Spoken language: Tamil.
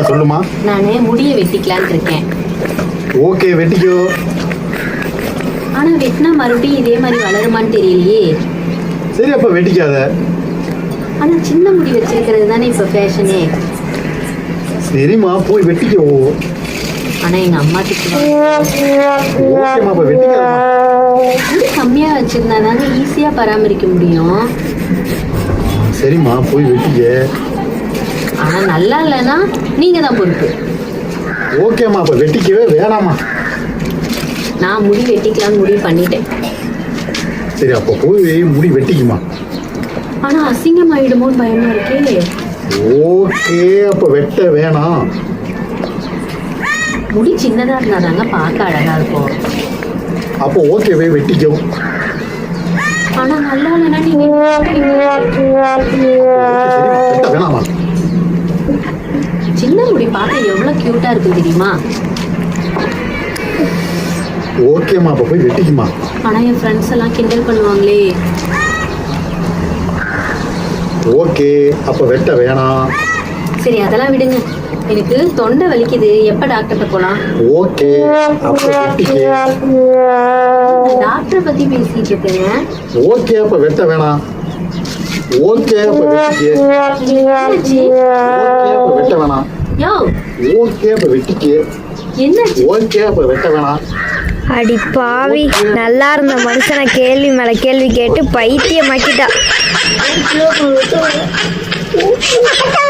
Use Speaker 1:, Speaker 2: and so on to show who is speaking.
Speaker 1: சொல்லுமா.
Speaker 2: நானே முடியை வெட்டிக்கலான்னு இருக்கேன்.
Speaker 1: ஓகே வெட்டிக்கோ.
Speaker 2: ஆனா வெட்டினா மறுபடியும் இதே மாதிரி வளருமான்னு தெரியலையே.
Speaker 1: சரி அப்ப வெட்டிக்காத.
Speaker 2: ஆனா சின்ன முடி வச்சிருக்கிறது தானே இப்ப ஃபேஷனே.
Speaker 1: சரிம்மா போய் வெட்டிக்கோ.
Speaker 2: ஆனா எங்க அம்மா திட்டுவாங்க.
Speaker 1: ஓகேம்மா அப்ப வெட்டிக்காதம்மா.
Speaker 2: முடி கம்மியா வச்சிருந்தா தாங்க ஈஸியா பராமரிக்க முடியும்.
Speaker 1: சரிம்மா போய் வெட்டிக்க.
Speaker 2: ஆனா நல்லா இல்லைன்னா நீங்க தான் பொறுப்பு.
Speaker 1: ஓகேம்மா அப்ப வெட்டிக்கவே வேணாமா.
Speaker 2: நான் முடி வெட்டிக்கலாம்னு முடிவு பண்ணிட்டேன்.
Speaker 1: சரி அப்ப போய் முடி வெட்டிக்குமா.
Speaker 2: ஆனா அசிங்கமாயிடுமோன்னு பயமா இருக்கே.
Speaker 1: ஓகே அப்ப வெட்ட வேணாம்.
Speaker 2: முடி சின்னதா இருந்தாதாங்க பார்க்க அழகா இருக்கும்.
Speaker 1: அப்போ ஓகேவே வெட்டிக்கோ.
Speaker 2: ஆனா நல்லா இல்லைன்னா நீங்க
Speaker 1: வெட்ட வேணாமா.
Speaker 2: சின்ன முடி பார்க்க எவ்வளவு கியூட்டா இருக்கு தெரியுமா.
Speaker 1: ஓகேம்மா அப்ப போய் வெட்டிக்குமா.
Speaker 2: ஆனா என் ஃப்ரெண்ட்ஸ் எல்லாம் கிண்டல் பண்ணுவாங்களே.
Speaker 1: ஓகே அப்ப வெட்ட வேணாம்.
Speaker 2: சரி அதெல்லாம் விடுங்க. எனக்கு தொண்டை வலிக்குது. எப்ப டாக்டர்கிட்ட போலாம்.
Speaker 1: ஓகே அப்ப வெட்டிக்க.
Speaker 2: டாக்டரை பத்தி பேசிட்டு இருக்கேங்க.
Speaker 1: ஓகே அப்ப வெட்ட வேணாம். ஓகே அப்ப வெட்டிக்க.
Speaker 2: என்னாச்சு?
Speaker 1: ஓகே அப்ப வெட்ட வேணாம்.
Speaker 2: யோ
Speaker 1: ஓகே அப்ப வெட்டிக்க.
Speaker 2: என்னாச்சு?
Speaker 1: ஓகே அப்ப வெட்ட வேணாம்.
Speaker 3: அடி பாவி, நல்லா இருந்த மனுஷனை கேள்வி மேல கேள்வி கேட்டு பைத்தியமாக்கிட்டா.